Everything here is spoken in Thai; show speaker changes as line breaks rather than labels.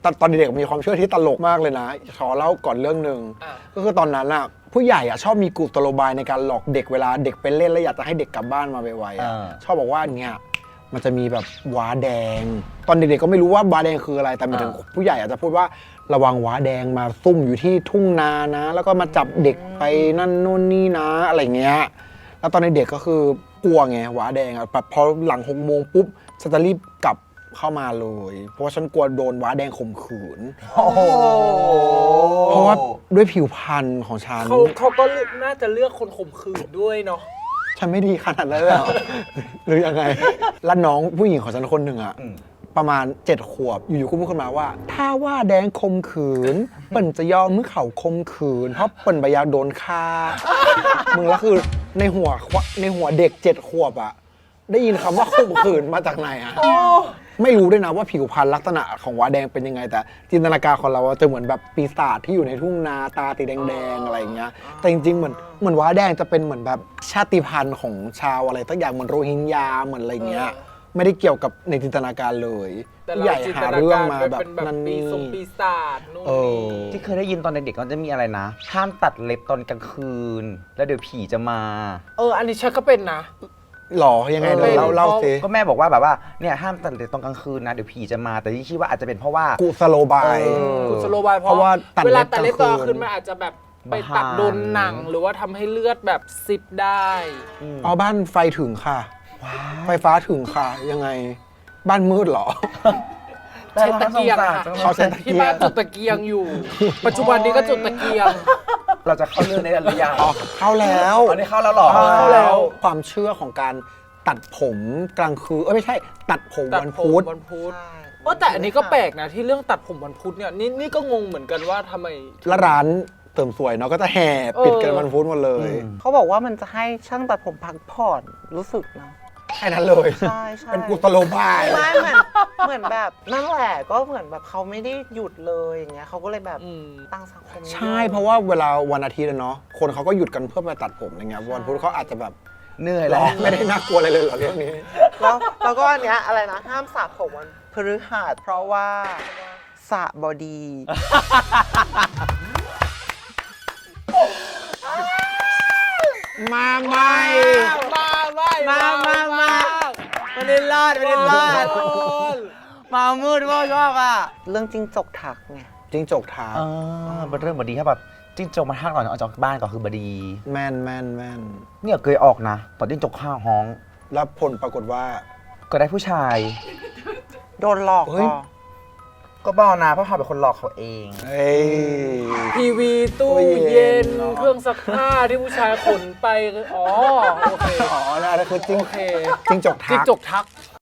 ตอนเด็กๆมีความเชื่อที่ตลกมากเลยนะขอเล่าก่อนเรื่องหนึ่งก็คือตอนนั้นอะผู้ใหญ่อะชอบมีกุศโลบายในการหลอกเด็กเวลาเด็กไปเล่นแล้วอยากจะให้เด็กกลับบ้านมาไวๆอะชอบบอกว่าเนี่ยมันจะมีแบบว้าแดงตอนเด็กๆก็ไม่รู้ว่าว้าแดงคืออะไรแต่หมายถึงผู้ใหญ่อาจจะพูดว่าระวังว้าแดงมาซุ่มอยู่ที่ทุ่งนานะแล้วก็มาจับเด็กไปนั่นนู่นนี่นะอะไรเงี้ยแล้วตอนเด็กก็คือกลัวไงว้าแดงอะแบบพอหลัง6 โมงปุ๊บฉันจะรีบกลับเข้ามาเลยเพราะว่าฉันกลัวโดนว้าแดงข่มขืนเพราะว่าด้วยผิวพรรณของฉัน
เขาก็น่าจะเลือกคนข่มขืนด้วยเนาะ
ฉันไม่ดีขนาดนั้นเลยหรือยังไงแล้วน้องผู้หญิงของฉันคนหนึ่งอะประมาณ7 ขวบอยู่ๆก็พูดขึ้นมาว่าถ้าว่าแดงข่มขืนเปิ่นจะยอมมือเขาข่มขืนเพราะเปิ่นไปอยากโดนฆ่ามึงแล้วคือในหัวเด็ก7 ขวบอะได้ยินคำว่าข่มขืนมาจากไหนอะไม่รู้ด้วยนะว่าผิวพรรณลักษณะของว้าแดงเป็นยังไงแต่จินตนาการของเราจะเหมือนแบบปีศาจที่อยู่ในทุ่งนาตาสีแดงๆอะไรอย่างเงี้ยแต่จริงๆเหมือนว้าแดงจะเป็นเหมือนแบบชาติพันธุ์ของชาวอะไรสักอย่างเหมือนโรฮิงญาเหมือนอะไรเงี้ยไม่ได้เกี่ยวกับในจินตนาการเลยใหญ่หาเรื่องมาแบบนั่นนี่
ปีศาจนู่นนี่
ที่เคยได้ยินตอนเด็กๆก็จะมีอะไรนะห้ามตัดเล็บตอนกลางคืนแล้วเดี๋ยวผีจะมา
อันนี้ฉันก็เป็นนะ
หรอยังไงเล่าสิ
ก็แม่บอกว่าแบบว่าเนี่ยห้ามตัดเล็บตอนกลางคืนนะเดี๋ยวผีจะมาแต่ที่คิดว่าอาจจะเป็นเพราะว่า
กุศโลบาย
เพราะว่าเวลาตัดเล็บตอนกลางคืนมันอาจจะแบบไปตัดโดนหนังหรือว่าทำให้เลือดแบบซิบได้
บ้านไฟถึงค่ะไฟฟ้าถึงค่ะยังไงบ้านมืดหรอ
ใช้ตะเกียงที่บ้านจุดตะเกียงอยู่ปัจจุบันนี้ก็จุดตะเกียง
เราจะเข้าเรื่องในหรือยัง
เข้าแล้ว
อันนี้เข้าแล้วหรอ
เข้าแล้วความเชื่อของการตัดผมกลางคืนไม่ใช่ตัดผมวันพุธ
แต่อันนี้ก็แปลกนะที่เรื่องตัดผมวันพุธเนี่ยนี่ก็งงเหมือนกันว่าทำไม
และร้านเติมสวยเนาะก็จะแห่ปิดกันวันพุธหมดเลย
เขาบอกว่ามันจะให้ช่างตัดผมพักผ่อนรู้สึกนะ
แค่นั้นเลย
ใช่
เป็นกุศโลบาย
ไม่เหมือนแบบนั่นแหละก็เหมือนแบบเขาไม่ได้หยุดเลยอย่างเงี้ยเขาก็เลยแบบตั้งสังคม
ใช่เพราะว่าเวลาวันอาทิตย์เนาะคนเขาก็หยุดกันเพื่อไปตัดผมอะไรเงี้ยวันพุธเขาอาจจะแบบ
เหนื่อยแล้ว
ไม่ได้น่ากลัวอะไรเลยเหรอเรื่องนี้
แล้วก็อันเนี้ยอะไรนะห้ามสระผมวันพฤหัสเพราะว่าสระบอดี
มาไม่
ไม่ได้รอดมามืดว่าชอบอ่ะ
เรื่องจิ้งจกทักไง
จิ้งจกทัก
เป็นเรื่องบดีครับแบบจิ้งจกมาทักก่อนออกจากบ้านก็คือบดี
แม่น
เนี่ยเคยออกนะตอนจิ้งจกข้างห้อง
แล้วผลปรากฏว่า
ก็ได้ผู้ชาย
โดนหลอก
ก็บ้านะเพราะเขาเป็นคนหลอกเขาเอง
ทีวีตู้เย็นเครื่องซักผ้าที่ผู้ชายขนไปโอเค
นั่นคือจิ้งจกทัก